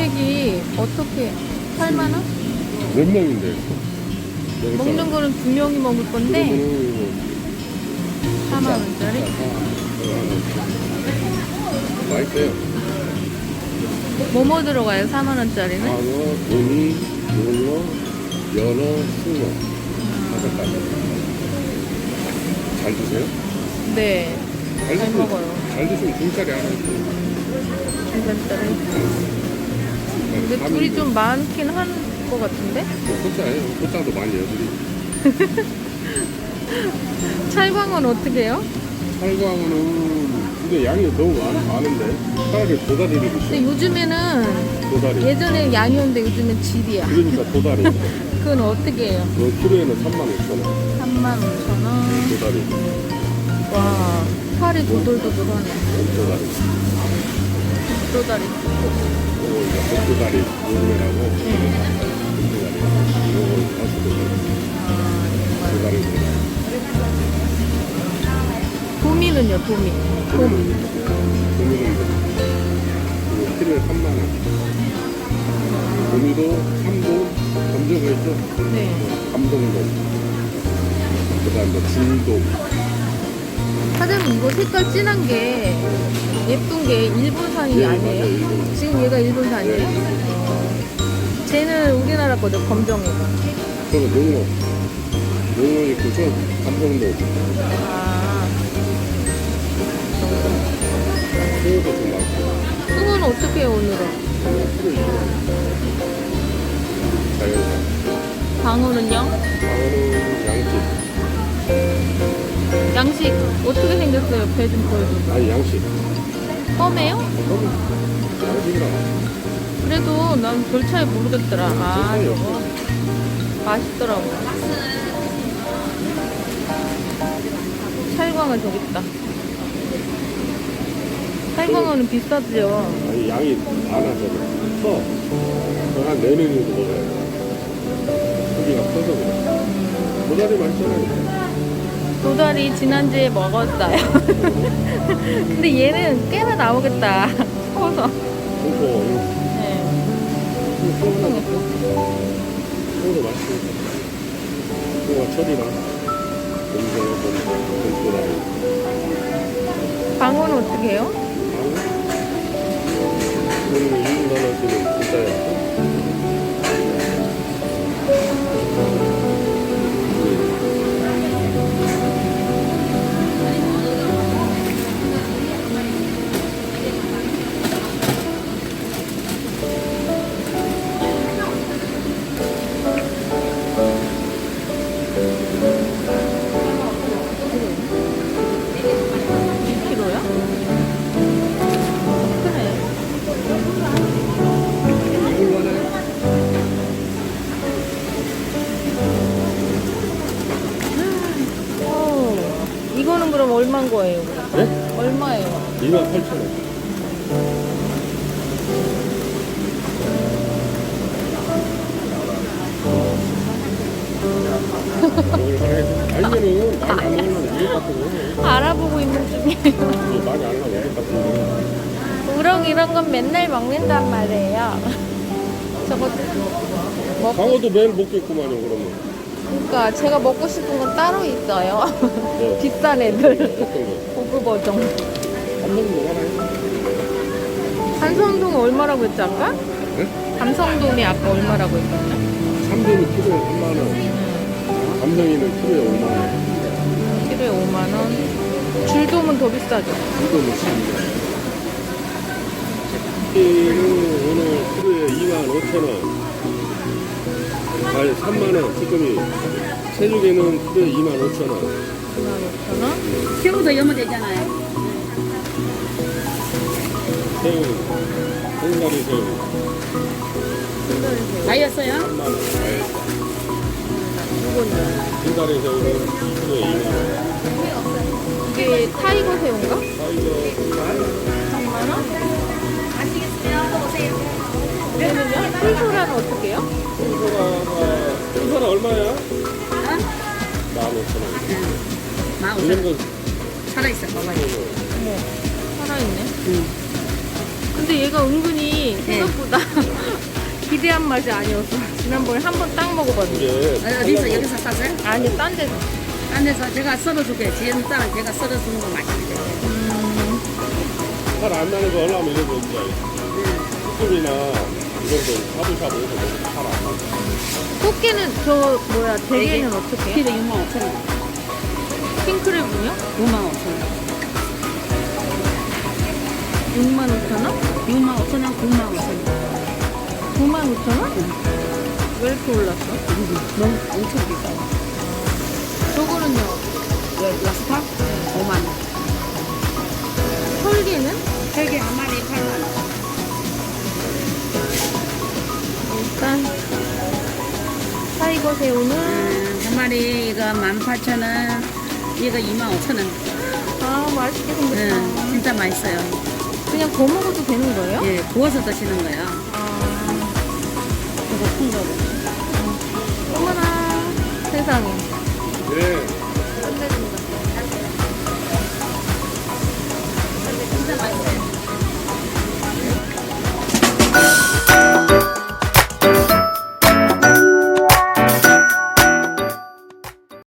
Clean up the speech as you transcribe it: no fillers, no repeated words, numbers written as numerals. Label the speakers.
Speaker 1: 금액이 어떻게 8만 원?
Speaker 2: 몇 명인데?
Speaker 1: 먹는 거는 2명이 먹을 건데 4만 원짜리?
Speaker 2: 맛있어요.
Speaker 1: 뭐뭐 들어가요? 4만 원짜리는?
Speaker 2: 광어, 도미, 문어, 연어, 숭어 5가지. 잘 드세요?
Speaker 1: 네, 잘
Speaker 2: 드시면-
Speaker 1: 먹어요.
Speaker 2: 잘 드시면 중짜리 하나 있어요.
Speaker 1: 중간짜리. 근데 둘이 좀 많긴 한 것 같은데?
Speaker 2: 소짜예요. 소짜도 많이 해요, 둘이.
Speaker 1: 찰광은 어떻게 해요?
Speaker 2: 살광어는 근데 양이 너무 많은데 차라리 도다리를
Speaker 1: 근데
Speaker 2: 드시죠.
Speaker 1: 요즘에는
Speaker 2: 도다리.
Speaker 1: 예전에 양이었는데 요즘엔 질이야.
Speaker 2: 그러니까 도다리.
Speaker 1: 그건 어떻게 해요?
Speaker 2: 키로에는 35,000원.
Speaker 1: 35,000원.
Speaker 2: 도다리.
Speaker 1: 와, 살이 도돌도돌하네.
Speaker 2: 도다리.
Speaker 1: 도다리.
Speaker 2: 요거 이제 복도다리 요즘에라고 복도다리. 요거 가수도다리. 도다리.
Speaker 1: 도미는요, 도미.
Speaker 2: 도미는 이거 키로에 3만원. 도미도 3동 검정거 있죠?
Speaker 1: 네.
Speaker 2: 감동동. 그 다음 뭐 중동.
Speaker 1: 사장님, 이거 색깔 진한 게 예쁜 게 일본산이
Speaker 2: 예,
Speaker 1: 아니에요?
Speaker 2: 맞아요, 일본.
Speaker 1: 지금 얘가 일본산이에요?
Speaker 2: 예.
Speaker 1: 쟤는 우리나라 거죠, 검정이고.
Speaker 2: 저는 농어. 농어 있고 저 감동동.
Speaker 1: 아,
Speaker 2: 새우도 좀 많고.
Speaker 1: 숭은 어떻게 해요, 오늘은?
Speaker 2: 자연산.
Speaker 1: 방어는요?
Speaker 2: 방어는 양식.
Speaker 1: 양식 어떻게 생겼어요? 배 좀 보여줘.
Speaker 2: 아니 양식.
Speaker 1: 껌해요?
Speaker 2: 양식이라.
Speaker 1: 그래도 난 별 차이 모르겠더라. 아,
Speaker 2: 차이
Speaker 1: 저거 맛있더라고. 찰광은 저기 있다. 찰광어는 비싸죠.
Speaker 2: 아니 양이 많아서 커. 한 4명이도 먹어야 돼. 크기가 커서 그래. 도다리 맛있잖아요.
Speaker 1: 도다리 지난주에 먹었어요. 근데 얘는 꽤나 나오겠다. 커서.
Speaker 2: 그리고
Speaker 1: 네.
Speaker 2: 새우도 맛있으니까. 새우가 철이랑 도다리.
Speaker 1: 방어는 어떻게 해요?
Speaker 2: 그리고 2,000원 지금 진짜요.
Speaker 1: 이거는 그럼 얼마인 거예요?
Speaker 2: 네?
Speaker 1: 얼마예요?
Speaker 2: 28,000원. 아니면은 많이 안 나오려면 이거 같은 거.
Speaker 1: 알아보고 있는 중이에요.
Speaker 2: 이거 많이 안 나오면 이거 같은 거.
Speaker 1: 우럭 이런 건 맨날 먹는단 말이에요. 저거 먹고,
Speaker 2: 광어도 매일 먹겠구만요, 그러면.
Speaker 1: 그러니까 제가 먹고 싶은 건 따로 있어요.
Speaker 2: 네.
Speaker 1: 비싼 애들.
Speaker 2: 어떤 거?
Speaker 1: 고급 어종.
Speaker 2: 한 번은 뭐 하나요?
Speaker 1: 감성동이 얼마라고 했지 아까?
Speaker 2: 네?
Speaker 1: 감성동이 아까 얼마라고 했었냐?
Speaker 2: 3도는 키로에 3만원. 감성이는 키로에 5만원.
Speaker 1: 키로에 5만원. 줄돔은 더 비싸죠?
Speaker 2: 2도는 12만원. 키는 오늘 키로에 25,000원. 아니 3만원 쭈꾸미. 새조개는 키로에 25,000원.
Speaker 1: 25,000원.
Speaker 3: 새우도 여면 되잖아요.
Speaker 2: 새우, 생가리 새우.
Speaker 3: 다이었어요?
Speaker 2: 3만원.
Speaker 1: 이거는
Speaker 2: 생가리 새우는 2kg에 2만원.
Speaker 1: 이게 타이거 새우인가?
Speaker 2: 사이즈
Speaker 1: 3만원? 얘는요? 풀소라는 어떻게 해요?
Speaker 2: 순서가 얼마야? 15,000원. 이런 거
Speaker 3: 살아있어, 봐봐요.
Speaker 1: 어머, 살아있네. 근데 얘가 은근히 생각보다 기대한 맛이 아니었어. 지난번에 한 번 딱 먹어봤는데.
Speaker 2: 이게
Speaker 3: 어디서 여기서 쌌어요?
Speaker 1: 아니, 딴 데서.
Speaker 3: 딴 데서 제가 썰어줄게. 지은 딸은 제가 썰어주는 거 맛있는데.
Speaker 2: 살안 나는 거 하려면 이런 거 있지. 쭈꾸미나 이런 거 샤브샤브 해서 먹으면 살안 나.
Speaker 1: 꽃게는 저, 뭐야, 대게는 어떻게 해요?
Speaker 3: 키로 65,000원.
Speaker 1: 킹크랩은요?
Speaker 3: 55,000원.
Speaker 1: 65,000원?
Speaker 3: 65,000원, 95,000원.
Speaker 1: 95,000원? 왜 이렇게 올랐어?
Speaker 3: 너무 엄청 비싸요.
Speaker 1: 저거는요?
Speaker 3: 라스파? 5만원.
Speaker 1: 털개는?
Speaker 3: 3개 한 마리 8만원.
Speaker 1: 일단 사이버 새우는
Speaker 3: 한 마리 이거 18,000원. 이거 25,000원.
Speaker 1: 아 맛있게 생겼다.
Speaker 3: 진짜 맛있어요.
Speaker 1: 그냥 구워 먹어도 되는 거예요?
Speaker 3: 예, 구워서 드시는 거예요.
Speaker 1: 아,
Speaker 3: 그거 큰 거로.
Speaker 1: 어머나 세상에.
Speaker 2: 네.